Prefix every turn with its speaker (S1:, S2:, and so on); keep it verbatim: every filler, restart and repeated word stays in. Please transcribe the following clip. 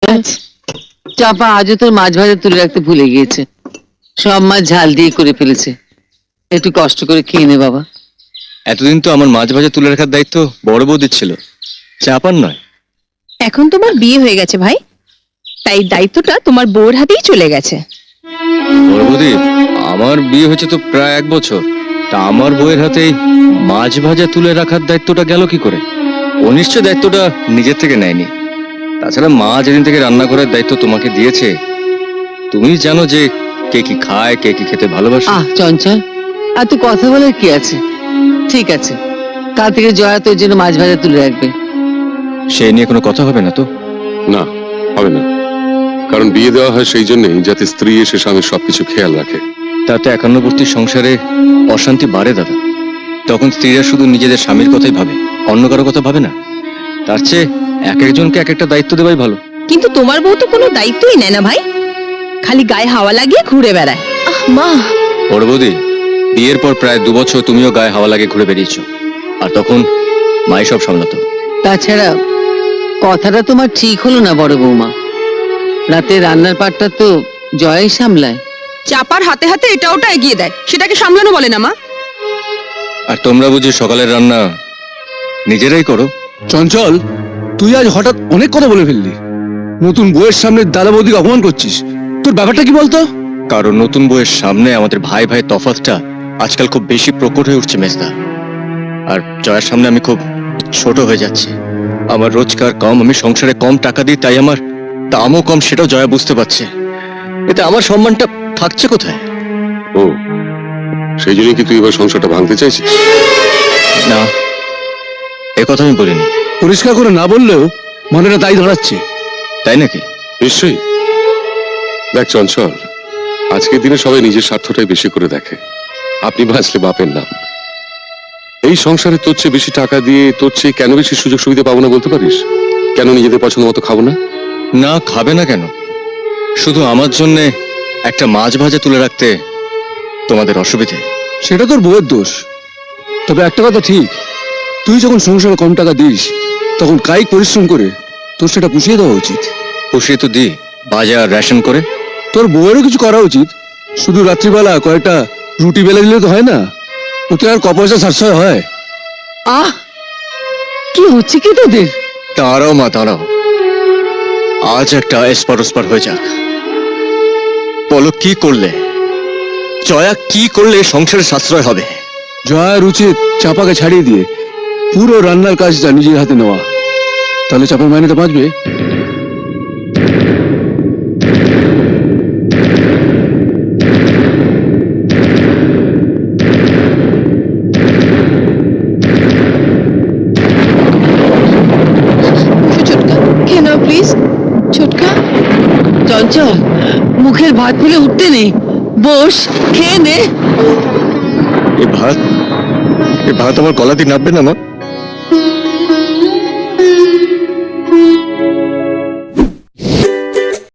S1: আচ্ছা
S2: চাপা আজও তোর মাছ ভাজা তুলে রাখতে ভুলে গিয়েছে। সব মাছ ঝাল দিয়ে করে ফেলেছে। একটু কষ্ট করে খেয়ে নে বাবা।
S3: এতদিন তো আমার মাছ ভাজা তুলে রাখার দায়িত্ব বড় বৌদির ছিল, চাপার নয়।
S1: এখন তোমার বিয়ে হয়ে গেছে ভাই, তাই দায়িত্বটা তোমার বউর হাতেই চলে গেছে।
S3: বড় বৌদি, আমার বিয়ে হয়েছে তো প্রায় এক বছর, তা আমার বউয়ের হাতেই মাছ ভাজা তুলে রাখার দায়িত্বটা গেল কি করে? ও নিশ্চয় দায়িত্বটা নিজের থেকে নেয়নি। তাছাড়া মা যেদিন থেকে রান্না করার দায়িত্ব তোমাকে দিয়েছে, তুমি জানো যে কে কি খায়, কে কি খেতে ভালোবাসে।
S2: আহ চঞ্চল, আর তুই কথা বলার কি আছে? ঠিক আছে, কাল থেকে জয়া তোর জন্য মাছ ভাজা তুলে রাখবে।
S3: সে নিয়ে কোনো কথা হবে না তো?
S4: না, হবে না। কারণ বিয়ে দেওয়া হয় সেই জন্যই যাতে স্ত্রী এসে স্বামীর সবকিছু খেয়াল রাখে।
S3: তাতে একান্নবর্তী সংসারে অশান্তি বাড়ে দাদা। তখন স্ত্রীরা শুধু নিজেদের স্বামীর কথাই ভাবে, অন্য কারো কথা ভাবে না। তার চেয়ে এক একজনকে এক একটা দায়িত্ব দেওয়াই ভালো।
S1: কিন্তু তোমার বউ তো কোনো দায়িত্বই নেয় না ভাই, খালি গায়ে হাওয়া লাগিয়ে ঘুরে বেড়ায়। আহ মা,
S3: বড় বৌদি, বিয়ের পর প্রায় দু বছর তুমিও গায়ে হাওয়া লাগে ঘুরে বেরিয়েছ, আর তখন মাই সব সামলাতো।
S2: তাছাড়া কথাটা তোমার ঠিক হলো না বড় বৌমা। রাতে রান্নার পাটটা তো জয়াই সামলায়।
S5: চাপার হাতে হাতে এটা ওটা এগিয়ে দেয়, সেটাকে সামলানো বলে না মা।
S3: আর তোমরা বুঝি সকালের রান্না নিজেরাই করো?
S6: চঞ্চল, তুই আজ হঠাৎ অনেক কথা বলে ফেললি। নতুন বউয়ের সামনে দাদা বৌদিকে অপমান করছিস। তোর ব্যাপারটা কি বলতো?
S3: কারণ নতুন বউয়ের সামনে আমাদের ভাই ভাই তফাৎটা আজকাল খুব বেশি প্রকট হয়ে উঠছে মেজদা। আর জয়ের সামনে আমি খুব ছোট হয়ে যাচ্ছি। আমার রোজগার কম, আমি সংসারে কম টাকা দিই, তাই আমার দামও কম, সেটাও জয়া বুঝতে পারছে। এতে আমার সম্মানটা থাকছে কোথায়?
S4: ও, সেই জন্যই কি তুই এবার সংসারটা ভাঙতে চাইছিস?
S3: না, এ কথা আমি বলিনি।
S6: পরিষ্কার করে না বললেও মনেটা তাই ধরাচ্ছে।
S3: তাই নাকি?
S4: নিশ্চয়ই। দেখ চঞ্চল, আজকের দিনে সবাই নিজের স্বার্থটাই বেশি করে দেখে। আপনি বাঁচলে বাপের নাম। এই সংসারে তোর চেয়ে বেশি টাকা দিয়ে তোর চেয়ে কেন বেশি সুযোগ সুবিধা পাবো না বলতে পারিস? কেন নিজেদের পছন্দ মতো খাবো না?
S3: না, খাবে না কেন? শুধু আমার জন্য একটা মাছ ভাজা তুলে রাখতে তোমাদের অসুবিধে?
S6: সেটা তোর বউয়ের দোষ। তবে একটা কথা ঠিক, তুই যখন সংসারে কম টাকা দিস তখন কায়িক পরিশ্রম করে তোর সেটা পুষিয়ে দেওয়া উচিত।
S3: পুষিয়ে তো দিই, বাজার রেশন করে।
S6: তোর বউয়েরও কিছু করা উচিত। শুধু রাত্রিবেলা কয়েকটা রুটি বেলে দিলে তো হয় না, ওতে আর ক পয়সা সাশ্রয় হয়।
S2: আহ, কি হচ্ছে কি তোদের?
S3: দাঁড়াও মা, দাঁড়াও। আজ একটা এসপার ওসপার হয়ে যাক। বলো, কি করলে, জয়া কি করলে সংসারে সাশ্রয় হবে?
S6: জয়ার উচিত চাপাকে ছাড়িয়ে দিয়ে পুরো রান্নার কাজটা নিজের হাতে নেওয়া। তাহলে চাপার মাইনেটা বাঁচবে।
S1: ছোটকা খেয়ে নাও প্লিজ। ছোটকা,
S2: চঞ্চল, মুখের ভাত ফেলে উঠতে নেই, বস খেয়ে নে।
S3: এ ভাত, এ ভাত আমার গলা দিয়ে নামবে না মা?